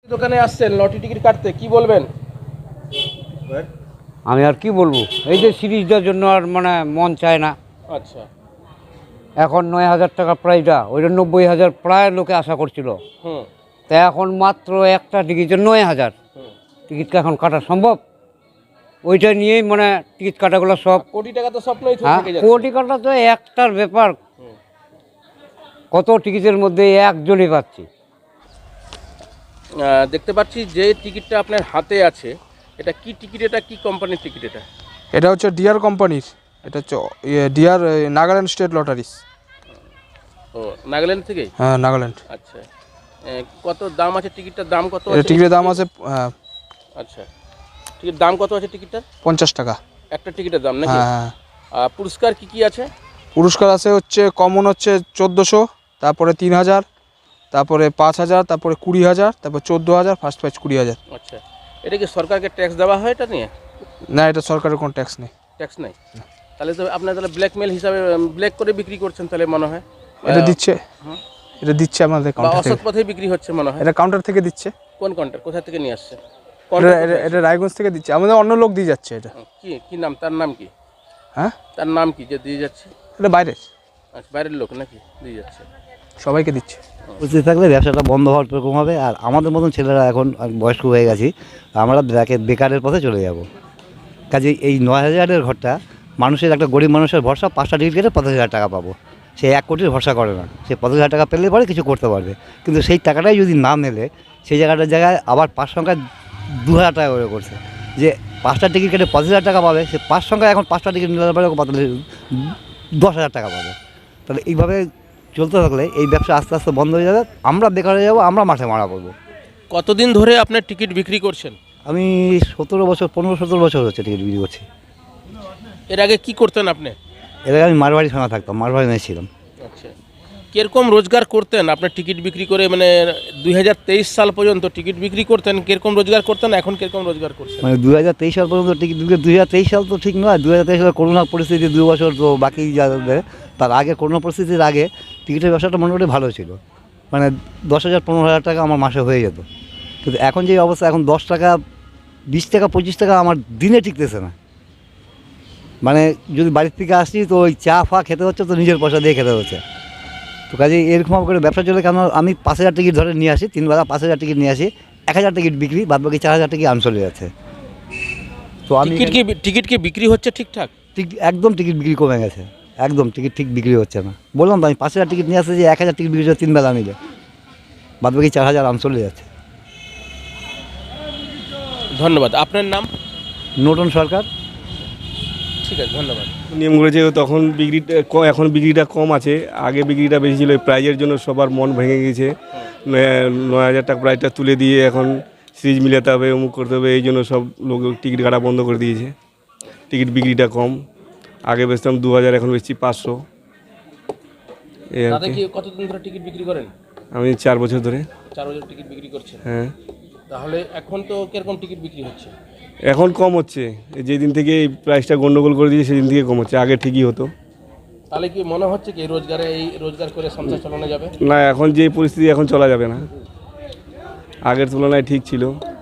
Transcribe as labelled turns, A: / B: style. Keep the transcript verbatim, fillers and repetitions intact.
A: দোকানে আসছেন lottery ticket কাটতে, কি বলবেন?
B: আমি আর কি বলবো, এই যে সিরিজটার জন্য আর মানে মন চায় না।
A: আচ্ছা,
B: এখন নয় হাজার টাকা প্রাইজটা, ওইটা নব্বই হাজার প্রায় লোকে আশা করছিল।
A: হুম
B: তা এখন মাত্র একটা টিকিটের নয় হাজার
A: হুম
B: টিকিট এখন কাটা সম্ভব? ওইটা নিয়েই মানে টিকিট কাটাগুলো সব।
A: কোটি টাকা তো স্বপ্নই
B: হ্যাঁ,
A: থেকে যাচ্ছে।
B: কোটি কাটা তো একটার ব্যাপার।
A: হুম।
B: কত টিকিটের মধ্যে একজনই পাচ্ছি।
A: আহ, দেখতে পাচ্ছি যে টিকিটটা আপনার হাতে আছে, এটা কি টিকিট, এটা কি কোম্পানির টিকিট? এটা
C: এটা হচ্ছে ডিয়ার কোম্পানির, এটা হচ্ছে ডিয়ার নাগাল্যান্ড স্টেট লটারিস।
A: ও নাগাল্যান্ড থেকে?
C: হ্যাঁ, নাগাল্যান্ড।
A: আচ্ছা, আহ, কত দাম আছে টিকিটটার? দাম কত
C: এটা
A: আছে
C: টিকিটের দাম আছে হ্যাঁ,
A: আচ্ছা, টিকিট দাম কত আছে টিকিটটার?
C: পঞ্চাশ টাকা।
A: একটা টিকিটের দাম নাকি?
C: হ্যাঁ হ্যাঁ।
A: আর পুরস্কার কি কি আছে?
C: পুরস্কার আছে হচ্ছে কমন হচ্ছে চোদ্দোশো, তারপরে তিন হাজার, তারপরে পাঁচ হাজার, তারপরে কুড়ি হাজার, তারপর চোদ্দো হাজার, ফার্স্ট প্রাইজ কুড়ি হাজার।
A: আচ্ছা, এটা কি সরকারকে ট্যাক্স দেওয়া হয় এটা নিয়ে?
C: না, এটা সরকারের কোনো ট্যাক্স নেই।
A: ট্যাক্স নাই? তাহলে তো আপনার তাহলে ব্ল্যাকমেল হিসাবে ব্ল্যাক করে বিক্রি করছেন তাহলে মনে হয়।
C: এটা দিচ্ছে,
A: হুম।
C: এটা দিচ্ছে আমাদের
A: বা
C: কাউন্টার
A: অসৎ
C: থেকে।
A: পথে বিক্রি হচ্ছে মনে হয়।
C: এটা কাউন্টার থেকে দিচ্ছে।
A: কোন কাউন্টার, কোথা থেকে নিয়ে আসছে?
C: এটা এটা- এটা রায়গঞ্জ থেকে দিচ্ছে, আমাদের অন্য লোক দিয়ে যাচ্ছে এটা।
A: কি কি নাম, তার নাম কি?
C: হ্যাঁ,
A: তার নাম কি যে দিয়ে যাচ্ছে?
C: এটা বাইরের
A: আচ্ছা, বাইরের লোক নাকি দিয়ে যাচ্ছে?
C: সবাইকে দিচ্ছে।
D: উপস্থিত থাকলে ব্যবসাটা বন্ধ হওয়ার এরকম হবে। আর আমাদের মতন ছেলেরা এখন বয়স্ক হয়ে গেছি, আমরা ব্যাকে বেকারের পথে চলে যাব। কাজে এই নয় হাজারের ঘরটা মানুষের, একটা গরিব মানুষের ভরসা, পাঁচটা টিকিট কেটে পঞ্চাশ হাজার টাকা পাবো। সে এক কোটির ভরসা করে না, সে পঞ্চাশ হাজার টাকা পেলে পরে কিছু করতে পারবে। কিন্তু সেই টাকাটাই যদি না মেলে, সেই জায়গাটার জায়গায় আবার পাঁচ সংখ্যায় দু হাজার টাকা করে করছে। যে পাঁচটা টিকিট কেটে পঁচিশ হাজার টাকা পাবে, সে পাঁচ সংখ্যায় এখন পাঁচটা টিকিট নিলে পরে দশ হাজার টাকা পাবে। তাহলে এইভাবে চলতে থাকলে এই ব্যবসা আস্তে আস্তে বন্ধ হয়ে যাবে, আমরা বেকার হয়ে যাবো, আমরা মাঠে মারা পড়বো।
A: কতদিন ধরে আপনার টিকিট বিক্রি করছেন?
D: আমি সতেরো বছর পনেরো সতেরো বছর হচ্ছে টিকিট বিক্রি করছি।
A: এর আগে কি করতেন আপনি?
D: এর আগে আমি মারবাড়ি থানা থাকতাম, মারবাড়ি মেয়ে ছিলাম।
A: আচ্ছা, কিরকম রোজগার করতেন আপনার টিকিট বিক্রি করে? মানে দুই হাজার তেইশ সাল পর্যন্ত টিকিট বিক্রি করতেন, কিরকম রোজগার করতেন, এখন কিরকম রোজগার করছেন?
D: মানে দু হাজার তেইশ সাল পর্যন্ত টিকিট বিক্রি, দুই হাজার তেইশ সাল তো ঠিক নয়, দু হাজার তেইশ সালে করোনা পরিস্থিতি, দুই বছর তো বাকি যাবে। তার আগে করোনা পরিস্থিতির আগে টিকিটের ব্যবসাটা মোটামুটি ভালো ছিল, মানে দশ হাজার পনেরো হাজার টাকা আমার মাসে হয়ে যেত। কিন্তু এখন যে অবস্থা, এখন দশ টাকা বিশ টাকা পঁচিশ টাকা আমার দিনে টিকতেছে না। মানে যদি বাড়ির থেকে আসছি তো ওই চা ফা খেতে হচ্ছে, তো নিজের পয়সা দিয়ে খেতে হচ্ছে। তো কাজে এরকম করে ব্যবসা চলে। কেন আমি পাঁচ হাজার টিকিট ধরে নিয়ে আসি, তিন বেলা পাঁচ হাজার টিকিট নিয়ে আসি, এক হাজার টিকিট বিক্রি, বাদ বাকি চার হাজার টিকিট আম চলে যাচ্ছে। তো আমি
A: টিকিট কি টিকিট কি বিক্রি হচ্ছে ঠিকঠাক?
D: টিকিট একদম টিকিট বিক্রি কমে গেছে, একদম টিকিট ঠিক বিক্রি হচ্ছে না। বললাম তো, আমি পাঁচ হাজার টিকিট নিয়ে আসছি, যে এক হাজার টিকিট বিক্রি হচ্ছে তিন বেলা মিলে, বাদ বাকি চার হাজার আম চলে যাচ্ছে।
A: ধন্যবাদ। আপনার নাম?
D: নতুন সরকার।
A: ঠিক আছে, ধন্যবাদ।
E: নিয়ম করেছে তখন বিক্রিটা কম, এখন বিক্রিটা কম আছে, আগে বিক্রিটা বেশি ছিল। প্রাইজের জন্য সবার মন ভেঙে গেছে, নয় হাজার টাকা প্রাইজটা তুলে দিয়ে এখন সিরিজ মিলাতে হবে, অমুক করতে হবে, এই জন্য সব লোক টিকিট কাটা বন্ধ করে দিয়েছে। টিকিট বিক্রিটা কম, আগে বেচতাম দু হাজার, এখন বেচছি পাঁচশো। এই আর
A: দাদা
E: কি।
A: কি কতদিন ধরে টিকিট বিক্রি করেন?
E: আমি চার বছর ধরে।
A: চার বছর টিকিট বিক্রি করছেন?
E: হ্যাঁ।
A: তাহলে এখন তো কিরকম টিকিট বিক্রি হচ্ছে?
E: এখন কম হচ্ছে, যেদিন থেকে এই প্রাইসটা গন্ডগোল করে দিয়েছে সেদিন থেকে কম হচ্ছে, আগে ঠিকই হতো।
A: তাহলে কি মনে হচ্ছে কি রোজগারে, এই রোজগার করে সংসার চালানো যাবে?
E: না, এখন যে পরিস্থিতি, এখন চলা যাবে না, আগের তুলনায় ঠিক ছিল।